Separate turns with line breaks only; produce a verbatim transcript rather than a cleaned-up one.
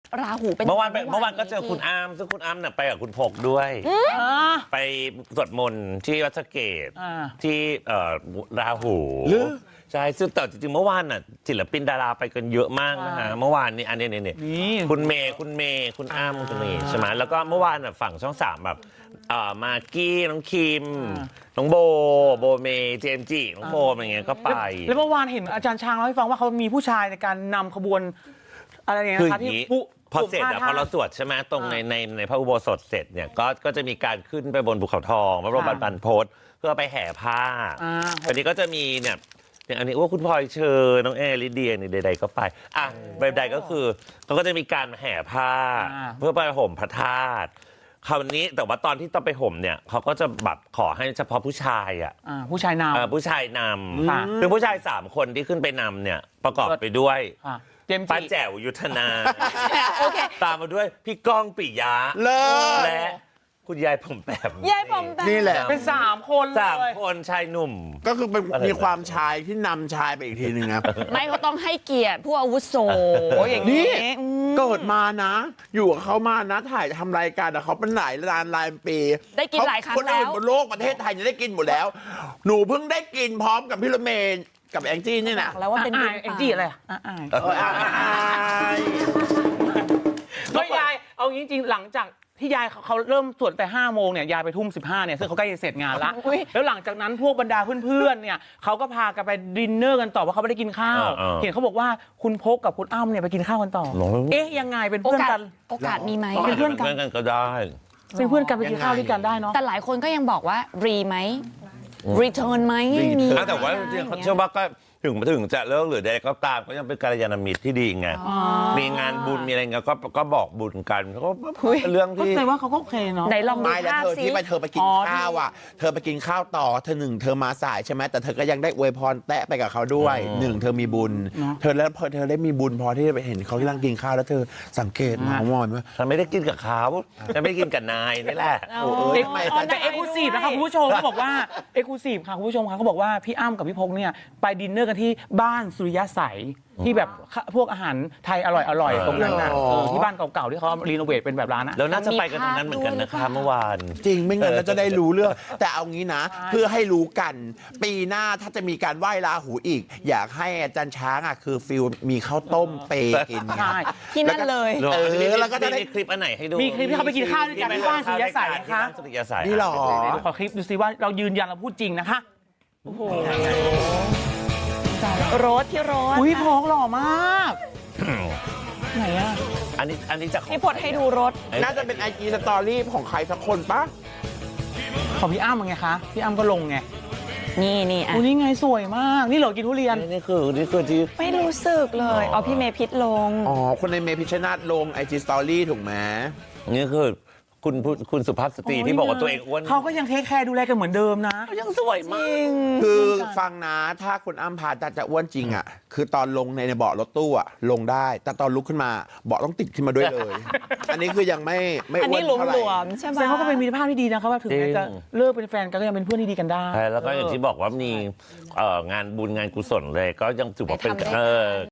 ราหูเป็น
เมื่อวานเมื่อวานก็เจอคุณอ้ำซึ่งคุณอ้ำเนี่ยไปกับคุณพกด้วยไปสวดมนต์ที่วัดสะเกษที่ราหูใช่ซึ่งแต่จริงๆเมื่อวานน่ะศิลปินดาราไปกันเยอะมากนะฮะเมื่อวานนี้อันนี้เนี่ยคุณเมย์คุณเมย์คุณอ้ำคุณเมย์ใช่ไหมแล้วก็เมื่อวานน่ะฝั่งช่องสามแบบมากกี้น้องคิมน้องโบโบเมย์เจมจีน้องโฟมอะไรเงี้ยก็ไป
แล้วเมื่อวานเห็นอาจารย์ช้างเล่าให้ฟังว่าเขามีผู้ชายในการนำขบวนอะไรเงี้ยนะคะที่
พอเสร็จอะพอเราสวดใช่ไหมตรงในในในพระอุโบสถเสร็จเนี่ยก็ก็จะมีการขึ้นไปบนภูเขาทองพระบรมบรรพตเพื่อไปแห่ผ้าอันนี้ก็จะมีเนี่ยอย่างอันนี้ว่าคุณพลอยเชอร์น้องแอร์ลิเดียนี่ใดๆก็ไปอ่ะใดๆก็คือเขาก็จะมีการแห่ผ้าเพื่อไปห่มพระธาตุคราวนี้แต่ว่าตอนที่ต้องไปห่มเนี่ยเขาก็จะแบบขอให้เฉพาะผู้ชายอ่ะ
ผู้ชายนำ
ผู้ชายนำคือผู้ชายสามคนที่ขึ้นไปนำเนี่ยประกอบไปด้วยป้าแจ๋วยุทธนาตามมาด้วยพี่ก้องปิยะและคุณยายผมแปม
ยายผมแปม
นี่แหละเป็นสามคน
สามคนชายหนุ่ม
ก็คือเป็นมีความชายที่นำชายไปอีกทีหนึ่งนะ
ไม่เขาต้องให้เกียรติผู้อาวุโสอย่าง
นี้เกิดมานะ อยู่กับเขามานะถ่ายทำรายการแต่เขาเป็นหลายล้านหลายปี
ได้กินหลายครั้งแล้ว
คนอื่นบนโลกประเทศไทยจะได้กินหมดแล้วหนูเพิ่งได้กินพร้อมกับพี่รถเมย์กับแองจี้นี่นะ
แล้วว่าเป็น
แองจี้อะไรก็ยายเอาจริงๆหลังจากที่ยายเขาเริ่มสวดแต่ห้าโมงเนี่ยยายไปทุ่มสิบห้าเนี่ยซึ่งเขาใกล้จะเสร็จงานละแล้วหลังจากนั้นพวกบรรดาเพื่อนๆเนี่ยเขาก็พากันไปดินเนอร์กันต่อเพราะเขาไม่ได้กินข้าวเห็นเขาบอกว่าคุณพกกับคุณอ้ำเนี่ยไปกินข้าวกันต่อเอ๊ะยังไงเป็นเพื่อนกัน
โอกาสมีไหม
เป็นเพื่อนกันก็ได้
เป็นเพื่อนกันไปกินข้าวด้วยกันได้เนาะ
แต่หลายคนก็ยังบอกว่ารีไหมรีเทิร์นไหมมี
แต่ว่าจริงๆเชื่อว่าก็ถึงถึงจะเลิกหรือใดก็ตามก็ยังเป็นกัลยาณมิตรที่ดีไงมีงานบุญมีอะไรเงี้ยก็ก็บอกบุญกันก็เรื่องที่
แสดงว่าเขาก็โอเคเนาะ
ไหนลองดูภาพสิ
ที่ไปเธอไปกินข้าวอ่ะเธอไปกินข้าวต่อเธอหนึ่งเธอมาสายใช่ไหมแต่เธอก็ยังได้อวยพรแตะไปกับเขาด้วยหนึ่งเธอมีบุญเธอแล้วพอเธอได้มีบุญพอที่จะไปเห็นเขาที่นั่งกินข้าวแล้วเธอสังเกตมองมองว่า
ฉันไม่ได้กินกับเขาฉันไม่ได้กินกับนายนี่แหละ
แต่เอ็กซ์คลูซีฟนะคะคุณผู้ชมเขาบอกว่าเอ็กซ์คลูซีฟค่ะคุณผู้ชมค่ะเขาบอกว่าพี่อ้ำกับพี่พกเนี่ยไปดินเนอร์กันที่บ้านสุริยะใสที่แบบพวกอาหารไทยอร่อยๆตรงนั้นนะที่บ้านเก่าๆที่เขารีโนเวทเป็นแบบร้านนะ
แล้วน่าจะไปกันตรงนั้นเหมือนกันนะคะเมื่อวาน
จริงไม่งั้นเราจะได้รู้เรื่องแต่เอางี้นะเพื่อให้รู้กันปีหน้าถ้าจะมีการไหว้ราหูอีกอยากให้อาจารย์ช้างอ่ะคือฟิลมีข้าวต้มเปกิน
ใช่
ที่นั่นเลย
เออแล้วก็จะได้คลิปอันไหนให้ดู
มีคลิปที่เขาไปกินข้าวด้วยกันที่บ้านสุริยะใสนะคะ
นี่หรอ
ขอคลิปดูซิว่าเรายืนยันเราพูดจริงนะคะโอ้โห
รถที่รถ
อุ้ยพกหล่อมากไหนอ่ะ
อันนี้อันนี้จะ
พี่พดให้ดูรถ
น่าจะเป็นไอจีสตอรี่ของใครสักคนปะ
ของพี่อ้ำไงคะพี่อ้ำก็ลงไง
นี่นี่อ่ะ
นี่ไงสวยมากนี่เหรอกินทุเรียน
นี่คือนี่คือที่
ไม่รู้สึกเลยอ๋อพี่เมพิษลง
อ๋อคนในเมพิชนาธิ์ลงไอจีสตอรี่ถูกไหม
นี่คือคุณคุณสุภาพสตรีที่บอกว่าตัวเองอ้วน
เขาก็ยังเทคแคร์ดูแลกันเหมือนเดิมนะ
ยังสวยมาก
คือฟังนะถ้าคุณอ้ำพาจะจะอ้วนจริงอ่ะคือตอนลงในในเบาะรถตู้อ่ะลงได้แต่ตอนลุกขึ้นมาเบาะต้องติดขึ้นมาด้วยเลยอันนี้คือยังไม่ไม่อ้วนเท่าไหร่
ใช่ไหม
แต่เขาก็เป็นมิตรภาพที่ดีนะครับว่าถึงแม้จะเลิกเป็นแฟนกันก็ยังเป็นเพื่อนที่ดีกันได้
แล้วก็อย่างที่บอกว่ามีงานบุญงานกุศลเลยก็ยังถือว่าเป็นเออ